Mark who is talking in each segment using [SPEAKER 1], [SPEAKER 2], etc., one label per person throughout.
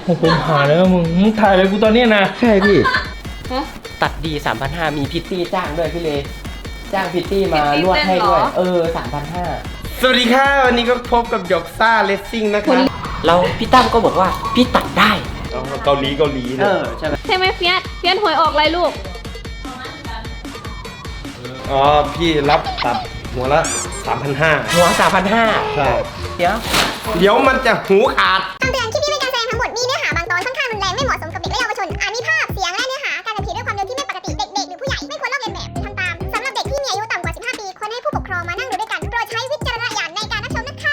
[SPEAKER 1] ผมหาแล้วมึงถ่ายอะไรกูตอนนี้นะ
[SPEAKER 2] ใช่พี่
[SPEAKER 3] ตัดดี 3,500 มีพิตตี้จ้างด้วยพี่เลจ้างพิตตี้มานวดให้ด้วย3,500
[SPEAKER 1] สวัสดีค่ะวันนี้ก็พบกับหยกซ่าเลสซิ่งนะคะ
[SPEAKER 3] เราพี่ตั้มก็บอกว่าพี่ตัดได้
[SPEAKER 1] เกาหลี
[SPEAKER 3] ใช่ไหม
[SPEAKER 4] เฟียสหวยออกอะไรลูก
[SPEAKER 1] อ๋อพี่รับตัดหัวละ 3,500
[SPEAKER 3] หัว 3,500
[SPEAKER 1] ใช่
[SPEAKER 3] เดี๋ยว
[SPEAKER 1] มันจะหูขาด
[SPEAKER 5] คำเตือนคลิปนี้เป็นการแสดงทั้งหมดมีเนื้อหาบางตอนค่อนข้างรุนแรงไม่เหมาะสมกับเด็กและเยาวชนอาจมีภาพเสียงและเนื้อหาการขับขี่ด้วยความเร็วที่ไม่ปกติเด็กๆหรือผู้ใหญ่ไม่ควรลอกเลียนแบบหรือทำตามสำหรับเด็กที่มีอายุต่ำกว่า 15 ปีควรให้ผู้ปกครองมานั่งดูด้วยกันโปรดใช้วิจารณญาณในการรับชมนะคะ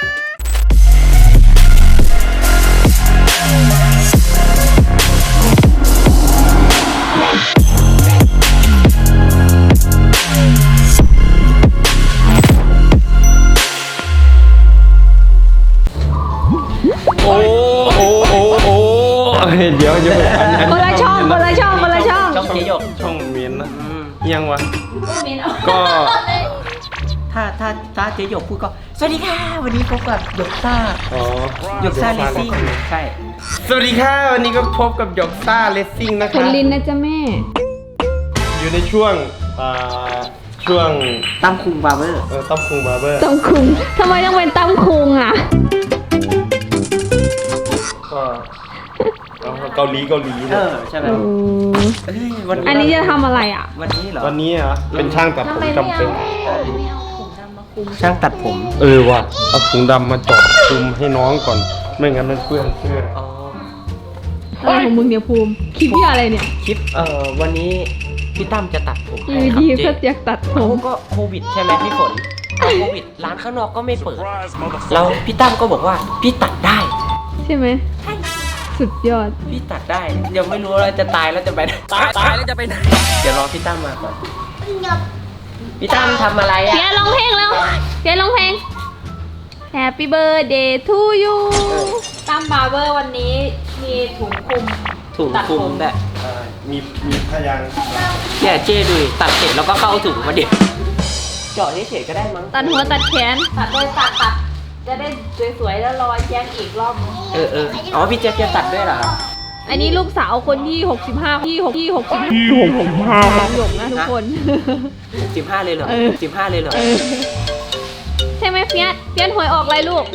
[SPEAKER 1] เดี๋ยว
[SPEAKER 4] คนละช่อง
[SPEAKER 3] เจ๊หยก
[SPEAKER 1] ช่องเมียนนะยังวะก็
[SPEAKER 3] ถ้าเจ๊หยกพูดก็สวัสดีค่ะวันนี้พบกับหยกซ่าหยกซ่าเลสซิ่งใช่
[SPEAKER 1] สวัสดีค่ะวันนี้ก็พบกับหยกซ่าเลสซิ่งนะคะ
[SPEAKER 4] คนลินนะจ๊ะแม่
[SPEAKER 1] อยู่ในช่วง
[SPEAKER 3] ตั้มคุงบาร์เบอร์
[SPEAKER 1] ตั้มคุงบาร์เบอร์
[SPEAKER 4] ตั้มคุงทำไมต้องเป็นตั้มคุงอ่ะ
[SPEAKER 1] ก็เกาหลี
[SPEAKER 3] ใช่ไหม
[SPEAKER 4] อันนี้จะทำอะไรอ่ะ
[SPEAKER 3] วันนี้เหรอ
[SPEAKER 1] เป็นช่างตัดผมจำเป็น
[SPEAKER 3] ช่างตัดผม
[SPEAKER 1] ว่ะเอาถุงดำมาเจาะคลุมให้น้องก่อนไม่งั้นมันเปื้อนเสื้อ
[SPEAKER 4] อะไรของมึงเนี่ยภูมิคลิปที่อะไรเนี่ย
[SPEAKER 3] คลิปวันนี้พี่ตั้มจะตัดผม
[SPEAKER 4] ดีก็อยากตัดผม
[SPEAKER 3] ก็โควิดใช่ไหมพี่ฝนโควิดร้านข้างนอกก็ไม่เปิดเราพี่ตั้มก็บอกว่าพี่ตัดได้
[SPEAKER 4] ใช่ไหมสุดยอด
[SPEAKER 3] พี่ตัดได้ยังไม่รู้ว่าจะตายแล้วจะไปตายแล้วจะไปไหนเดี๋ยวรอพี่ตั้มมาก่อนพี่ตั้มทำอะไรอ่ะ
[SPEAKER 4] เดี๋ยวร้องเพลงแล้วเดี๋ยวร้องเพลง Happy Birthday to you ตั้มบาร์เบอร์วันนี้มีถุงคลุม
[SPEAKER 3] แบบ
[SPEAKER 1] มีพยาง
[SPEAKER 3] เนี่ยเจ๊ดูตัดเสร็จแล้วก็เข้าถุงมาเดี๋ยวเจาะเฉยๆก็ได้มั้ง
[SPEAKER 4] ตัดหัวตัดแขนตัดโดยตัดจะได้สวยๆแล้วรอแจ็คอีกรอบ
[SPEAKER 3] อ๋อพี่แจ็คจะตัดด้วยเหรอ
[SPEAKER 4] อันนี้ลูกสาวคนที่65ที่65ของหยกนะทุกคน
[SPEAKER 3] 15เลยเหรอ15เลยเหรอ
[SPEAKER 4] ใช่ไหมเฟียสหวยออกอะไรลูก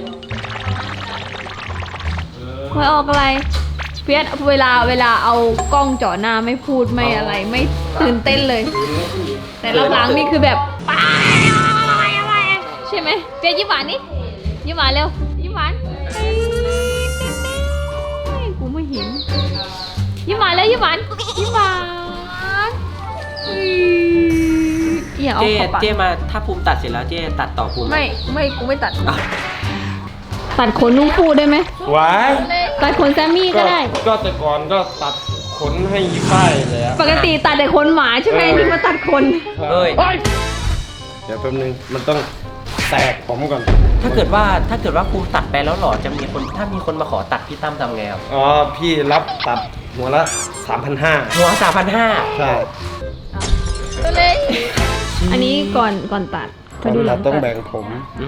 [SPEAKER 4] หวยออกอะไรเฟียสเวลาเอากล้องจ่อหน้าไม่พูดไม่อะไรไม่ตื่นเต้นเลยแต่หลังๆนี่คือแบบใช่ไหมเฟียสยิ้มหวานนี่ยิ้มหวานเร็วยิ้มหวานกูไม่เห็นยิ้มหวานแล้วยิ้มหวานอย่าเอาเข้าปาก
[SPEAKER 3] เจ๊มาถ้าภูมิตัดเสร็จแล้วเจ๊ตัดต่อภูมิ
[SPEAKER 4] ไม่กูไม่ตัดตัดขนนุ่งฟูได้ไหมตัดขนแซมมี่ก็ได้
[SPEAKER 1] ก็แต่ก่อนก็ตัดขนให้ยี่ฝ้ายเลย
[SPEAKER 4] ปกติตัดแต่ขนหมาใช่ไหมนี่มาตัดขน
[SPEAKER 1] เดี๋ยวแป๊บนึงมันต้องแตกผมก่อน
[SPEAKER 3] ถ้าเกิดว่าภูมิตัดไปแล้วหล่อจะมีคนถ้ามีคนมาขอตัดพี่ตั้มทำไงครับ
[SPEAKER 1] พี่รับตัดหัวละ 3,500
[SPEAKER 3] หัว 3,500
[SPEAKER 1] ใช่
[SPEAKER 4] ตัวเล็กอันนี้ก่อนตัด
[SPEAKER 1] ดูหลังต้องแบ่งผม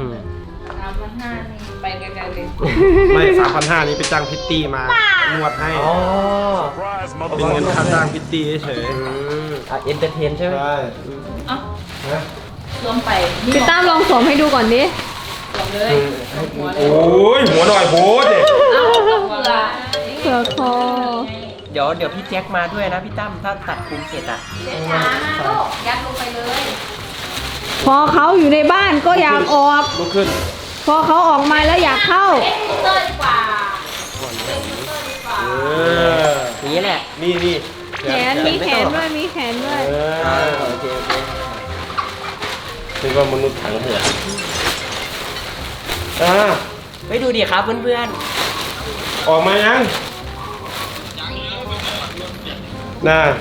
[SPEAKER 4] 3,500ไปไกลๆเลย
[SPEAKER 1] ไม่ 3,500นี้ไปจ้างพิตตี้มานวดให้เป็นเงินค่าจ้างพิตตี้เฉย
[SPEAKER 3] เอนเตอร์เทนใช่ไหม
[SPEAKER 1] ใช่
[SPEAKER 4] รวมไปพี่ตั้มลองสวมให้ดูก่อนดิสวมเลย
[SPEAKER 1] โอ้ยหัวหน่อยโพสดิ
[SPEAKER 4] เสือคอ
[SPEAKER 3] เดี๋ยวพี่แจ็คมาด้วยนะพี่ตั้มถ้าตัดภูมิเสร็จอ่ะ
[SPEAKER 4] ยัดลงไปเลยพอเขาอยู่ในบ้านก็อยากออก
[SPEAKER 1] ลุกขึ้น
[SPEAKER 4] พอเขาออกมาแล้วอยากเข้าเต้นดีกว่า
[SPEAKER 3] อย่างนี้แหละ
[SPEAKER 1] นี่
[SPEAKER 4] แขนมีแขนด้วย
[SPEAKER 1] โอเคนี่ก็มนุษย์ถังเหือ
[SPEAKER 3] ไปดูดิครับเพื่อน
[SPEAKER 1] ออกมายังน่า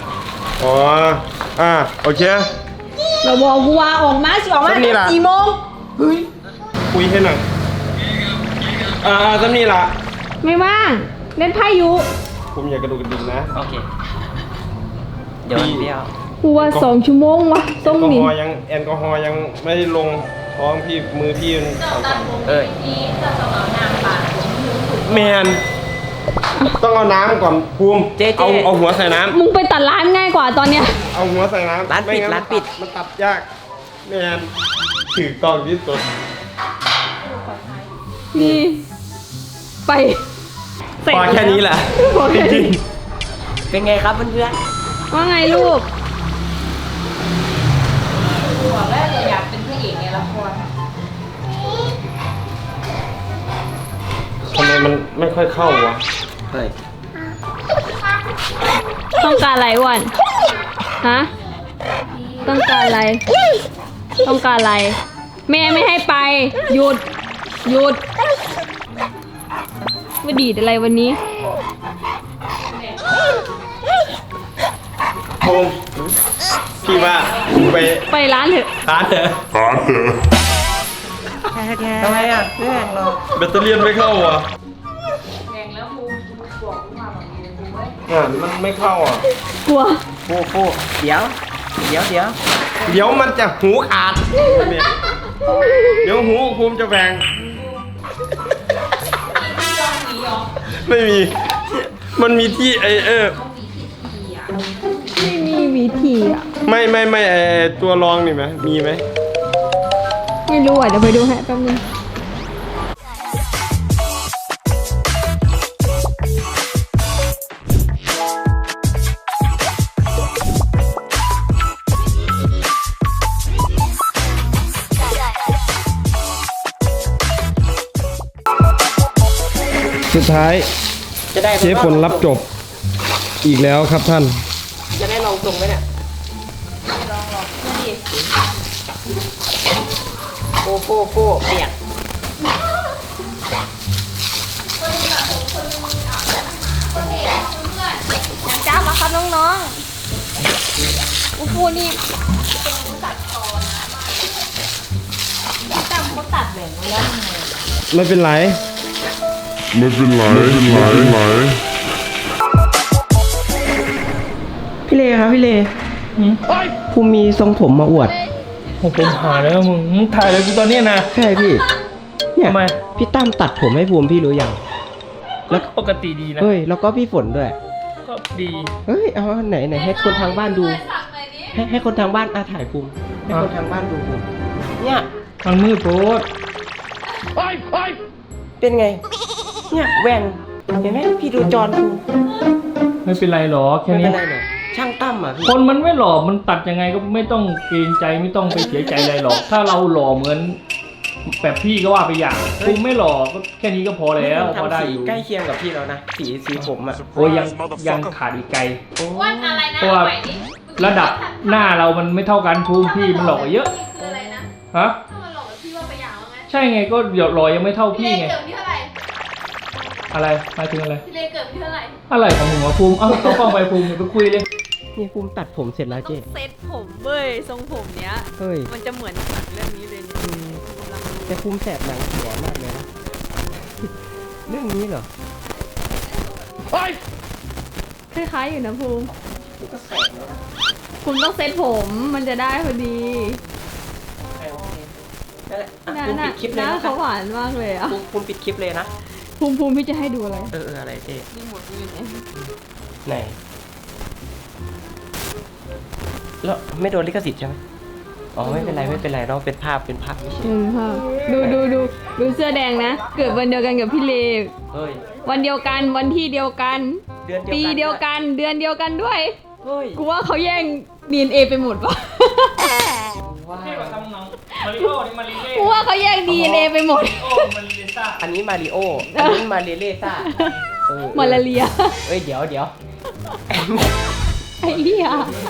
[SPEAKER 1] โอเค
[SPEAKER 4] เราบอกกูว่าออกมาสิออกมา4 โมง
[SPEAKER 1] เฮ้ยคุยให้หน่อยจำนี่ล่ะ
[SPEAKER 4] ไม่ว่างเล่นไพ่อยู่
[SPEAKER 1] ผมอยากกระดูกกระดิ่งนะ
[SPEAKER 3] โอเคเดี๋ยวเดียว
[SPEAKER 4] กูว่า2 ชั่วโมงวะต้องหนี
[SPEAKER 1] แอลกอฮอล์ยังไม่ได้ลงท้องพี่มือพี่มัน
[SPEAKER 4] ที่จะเอาน้ำปาด
[SPEAKER 1] แมนต้องเอาน้ำก่อนภูมิ
[SPEAKER 3] เจ๊
[SPEAKER 1] เอาหัวใส่น้ำ
[SPEAKER 4] มึงไปตัดร้านง่ายกว่าตอนเนี้ย
[SPEAKER 1] เอาหัวใส่น้ำ
[SPEAKER 3] ร้านปิด
[SPEAKER 1] ไม่งั้
[SPEAKER 3] ร้านปิด
[SPEAKER 1] มันตัดยากแมนถือกล้องที่สุด
[SPEAKER 4] นี่ ไปเสร็จ
[SPEAKER 1] พอแค่นี้แหละ
[SPEAKER 4] พอแค่
[SPEAKER 1] จริ
[SPEAKER 4] นี้
[SPEAKER 1] ง
[SPEAKER 3] เป็นไงครับเพื่อน
[SPEAKER 4] ว่าไงลูก
[SPEAKER 2] บอกแล้วอยากเป็นพระเอกในละคร
[SPEAKER 1] ทำไมมันไม่ค่อยเข้าวะ
[SPEAKER 3] ๆเฮ้ย
[SPEAKER 4] ต้องการอะไรอ้วนฮะ ต้องการอะไร ต้องการอะไร แม่ไม่ให้ไป หยุด หยุดมาดีดอะไรวันนี้
[SPEAKER 1] ภูมิพี่ว่าไป
[SPEAKER 4] ไปร้านเถอะ
[SPEAKER 1] ร้านเถอะ
[SPEAKER 3] ทำไมอ่ะเพื่อนเรา
[SPEAKER 1] แบตเตอรี่ไม่เข้าวะ
[SPEAKER 2] แข่งแล้วภูมิบอกกูมาแบบนี้เลยภูมิเว้ย
[SPEAKER 1] มันไม่เข้าอ่ะ
[SPEAKER 4] กลัว
[SPEAKER 3] ฟูเดี๋ยว
[SPEAKER 1] เดี๋ยวมันจะหูขาดเนี่ยเดี๋ยวหูภูมิจะแหวงไม่มี มันมีที่
[SPEAKER 4] ไม่มีวิธีอ่ะ
[SPEAKER 1] ไม่ตัวรองนี่ไหมมีไหม
[SPEAKER 4] ไม่รู้อ่ะ เดี๋ยวไปดูให้แป๊บนึง
[SPEAKER 1] สุดท้าย
[SPEAKER 3] จะได้
[SPEAKER 1] เชฟผลรับจบอีกแล้วครับท่าน
[SPEAKER 3] จะได้ลองตรงไหมเนี่ยโฟเปียก
[SPEAKER 4] อย่างจ้ามาครับน้องๆอูฟูนี่ตัดตอนนะแต่เขาตัดแบ่งไว้แล้วทำไม
[SPEAKER 1] ไม่เป็นไร
[SPEAKER 3] พี่เลครับพี่เลภูมิมีทรงผมมาอวด
[SPEAKER 6] ผมหาแล้วมึงถ่ายอะไรกูตอนเนี้ยนะ
[SPEAKER 3] ใช่พี่เนี่ย
[SPEAKER 6] ทำไม
[SPEAKER 3] พี่ตั้มตัดผมให้ภูมิพี่รู้ยัง
[SPEAKER 6] แล้วปกติดีนะ
[SPEAKER 3] เฮ้ยแล้วก็พี่ฝนด้วย
[SPEAKER 6] ก็ดี
[SPEAKER 3] เฮ้ยเอาไหนให้คนทางบ้านดู ให้คนทางบ้านถ่ายภูมิให้คนทางบ้านดูภูมิเนี่ย
[SPEAKER 6] มันมืดโพด
[SPEAKER 3] เป็นไง เนี่ยแหวงเห็นไหมพี่ดูจอนภูมิ
[SPEAKER 6] ไม่เป็นไรหรอกแค่
[SPEAKER 3] ไม่เป็
[SPEAKER 6] นี้
[SPEAKER 3] นไรเนี่ยช่างตั้มอ่ะพี่
[SPEAKER 6] คนมันไม่หล่อมันตัดยังไงก็ไม่ต้องเกรงใจไม่ต้องไปเสียใจอะไรหรอก ถ้าเราหล่อเหมือนแบบพี่ก็ว่าไปอย่างกูไม่หล่อก็แค่นี้ก็พอแล้วพอ
[SPEAKER 3] ทำ
[SPEAKER 6] ได้
[SPEAKER 3] สี
[SPEAKER 6] อยู่
[SPEAKER 3] ใกล้เคียงกับพี่แล้วนะสีผมอ่ะ
[SPEAKER 6] โอ้ยยังขาดอีกไกล
[SPEAKER 2] อ้วนอะไรนะ
[SPEAKER 6] เพราะว่า
[SPEAKER 2] ใหม่นี่
[SPEAKER 6] ระดับหน้าเรามันไม่เท่ากันภูมิพี่มันหล่อกว่าเยอะ
[SPEAKER 2] คืออะไรนะ
[SPEAKER 6] ฮะ
[SPEAKER 2] ถ้ามันหลอกกับพี่ว่าไปอย่างว่าไง
[SPEAKER 6] ใช่ไงก็หล่อยังไม่เท่า
[SPEAKER 2] พี่
[SPEAKER 6] พี่
[SPEAKER 2] เล
[SPEAKER 6] ไง
[SPEAKER 2] เกิดที่เท่าไหร่
[SPEAKER 6] อะไรหมายถึงอะไร
[SPEAKER 2] พี่เลเกิดที่เท่าไหร่
[SPEAKER 6] อะไรของหนูอะภูมิเอากล้องไปภูมิอย่าไปคุยเลย
[SPEAKER 3] นี่ภูมิตัดผมเสร็จแล้ว
[SPEAKER 4] ต้อ
[SPEAKER 3] เจ๊
[SPEAKER 4] งเซตผมเว้ย ทรงผมเนี้ย
[SPEAKER 3] เฮ้ย
[SPEAKER 4] มันจะเหมือนหนังเรื่องนี้เลยเนี่ยกำลังดู
[SPEAKER 3] แต่ภูมิแสบหนังหัวมากเลยนะ เรื่องนี้เหรอ
[SPEAKER 4] คล้ายๆอยู่นะภูมิภูมิต้องเซตผมมันจะได้พอดี
[SPEAKER 3] นั่นแหละภูมิปิดคลิปเลย
[SPEAKER 4] หน้า
[SPEAKER 3] นะ
[SPEAKER 4] เขาหวานมากเลยอ่ะ
[SPEAKER 3] ภูมิปิดคลิปเลยนะ
[SPEAKER 4] ภูมิพี่จะให้ดูอะไร
[SPEAKER 3] อะไรเจ๊
[SPEAKER 4] นี่หมดอยู่ไหน
[SPEAKER 3] ไหน แล้วไม่โดนลิขสิทธิ์ใช่ไหมอ๋อไม่เป็นไรเราเป็นภาพไม่ใช่
[SPEAKER 4] ดูเสื้อแดงนะ เกิดวันเดียวกันกับพี่เล
[SPEAKER 3] เฮ้ย
[SPEAKER 4] วันเดียวกันวันที่เดียวกัน
[SPEAKER 3] เดือน
[SPEAKER 4] ปีเดียวกันเดือนเดียวกันด้วย
[SPEAKER 3] เฮ้ย
[SPEAKER 4] กูว่าเขาแย่ง DNA ไปหมดปะ
[SPEAKER 3] ว้า
[SPEAKER 6] นี่
[SPEAKER 3] ว
[SPEAKER 6] มาทำหนังมาริโอนี่มาริเล่
[SPEAKER 4] กูว่าเขาแย่ง DNA ไปหมด
[SPEAKER 6] โอ้มาริเลซ่า
[SPEAKER 3] อันนี้มาริโอ อันนี้มาเรเล่ซ่าเออ
[SPEAKER 4] มาลาเรีย
[SPEAKER 3] เอ้ยเดี๋ยว
[SPEAKER 4] ไอ้เหี้ย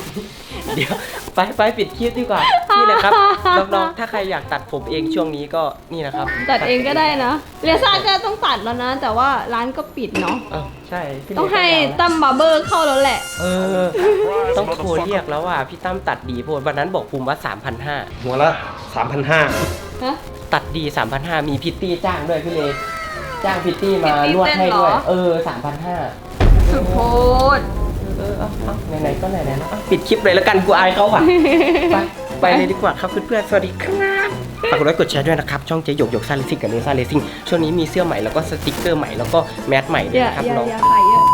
[SPEAKER 3] ไปปิดคลิปดีกว่า นี่แหละครับ น้องๆ ถ้าใครอยากตัดผมเองช่วงนี้ก็นี่นะครับ
[SPEAKER 4] ตัดเองก็ได้นะเรียซ่าก็ต้องตัดแล้วนะ แต่ว่าร้านก็ปิดเนาะ
[SPEAKER 3] ใช่พี่
[SPEAKER 4] ต้องให้
[SPEAKER 3] เล็กก็ยาวนะ
[SPEAKER 4] ตั้มบาร์เบอร์เข้าแล้วแหละ
[SPEAKER 3] ต้องโทรเรียกแล้วว่าพี่ตั้มตัดดีโพดวันนั้นบอกภูมิว่า 3,500
[SPEAKER 1] หัวละ 3,500
[SPEAKER 4] ฮะ
[SPEAKER 3] ตัดดี 3,500 มีพิตตี้จ้างด้วยพี่เลจ้างพิตตี้มานวดให้ด้วย 3,500
[SPEAKER 4] สุดโพด
[SPEAKER 3] เอาไหนๆก็ไหนๆแล้วปิดคลิปเลยแล้วกันกูอายเขาอ่ะ ไปเลยดีกว่าครับเพื่อนๆสวัสดีครับฝากกดไลค์กดแชร์ด้วยนะครับช่องเจ๊หยกหยกซ่าเลซิ่งกับเนซ่าเลซิ่งช่วงนี้มีเสื้อใหม่แล้วก็สติกเกอร์ใหม่แล้วก็แมสใหม่ด้วยนะครับน้อง
[SPEAKER 4] อย่าขายเยอะ